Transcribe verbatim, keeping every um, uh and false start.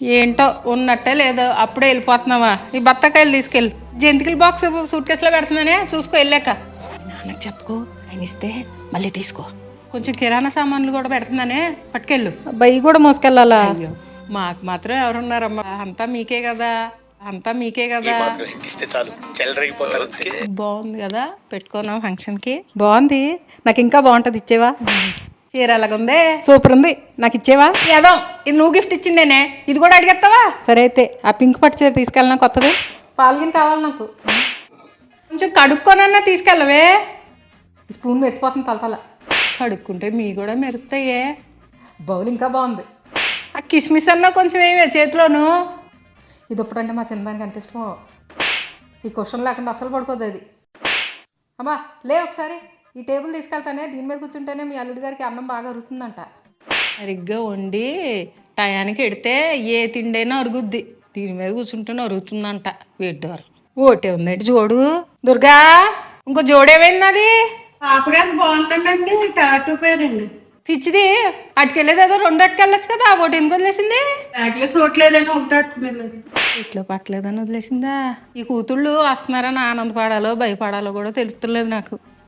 ఏంటో ఉన్నట్టే లేదో అప్పుడే వెళ్ళిపోతున్నావా? ఈ బత్తకాయలు తీసుకెళ్ళి జంతికల బాక్స్ సూట్ కేసులో పెడుతున్నానే, చూసుకో వెళ్ళాక. నాన్నకు చెప్పుకో, ఆయన ఇస్తే మళ్ళీ తీసుకో. కొంచెం కిరాణా సామాన్లు కూడా పెడుతున్నానే, పట్టుకెళ్ళు. బయ్యి కూడా మోసుకెళ్ళాలా? అయ్యో మాకు మాత్రం ఎవరున్నారమ్మా, అంతా మీకే కదా, అంతా మీకే కదా. బాగుంది కదా, పెట్టుకున్నాం ఫంక్షన్ కి. బాగుంది, నాకు ఇంకా బాగుంటది, ఇచ్చేవా? చీర ఎలాగుంది? సూపర్ ఉంది, నాకు ఇచ్చేవా? ఏదో ఇది నువ్వు గిఫ్ట్ ఇచ్చిందేనే, ఇది కూడా అడిగేస్తావా? సరే అయితే ఆ పింక్ పట్టు చీర తీసుకెళ్ళినా కొత్తది. పాల్గిన్ కావాలి నాకు. కొంచెం కడుక్కోనన్నా తీసుకెళ్ళవే. స్పూన్ మెరిచిపోతుంది తలతల. కడుక్కుంటే మీ కూడా మెరుస్తాయే. బౌల్ ఇంకా బాగుంది. ఆ కిస్మిస్ అన్నా కొంచెం ఏమే చేతిలోను. ఇది ఇప్పుడంటే మా చిన్నదానికి ఎంత ఇష్టమో. ఈ క్వశ్చన్ లేకుండా అసలు పడుకోదు అది. అమ్మా లే ఒకసారి, ఈ టేబుల్ తీసుకెళ్తానే, దీని మీద కూర్చుంటేనే మీ అల్లుడి గారికి అన్నం బాగా అరుగుతుందంట. సరిగ్గా వండి టయానికి ఎడితే ఏ తిండైనా అరుగుద్ది, దీని మీద కూర్చుంటేనే అరుగుతుందంట. వేడ్డారు ఓటే ఉందండి జోడు. దుర్గా ఇంకో జోడేమైంది? పాపగారు బాగుంటుందండి, టాటూ పేరండి. పిచ్చిది, అటుకెళ్ళేది ఏదో రెండు అటుకెళ్ళచ్చు కదా, ఒకటి ఎందుకు వదిలేసింది? బ్యాగ్లో చూడలేదని ఒకటి అట్టుకెళ్ళారు. ఇట్లో పట్టలేదని వదిలేసిందా? ఈ కూతుళ్ళు వస్తున్నారని ఆనందపడాలో భయపడాలో కూడా తెలుస్తలేదు నాకు.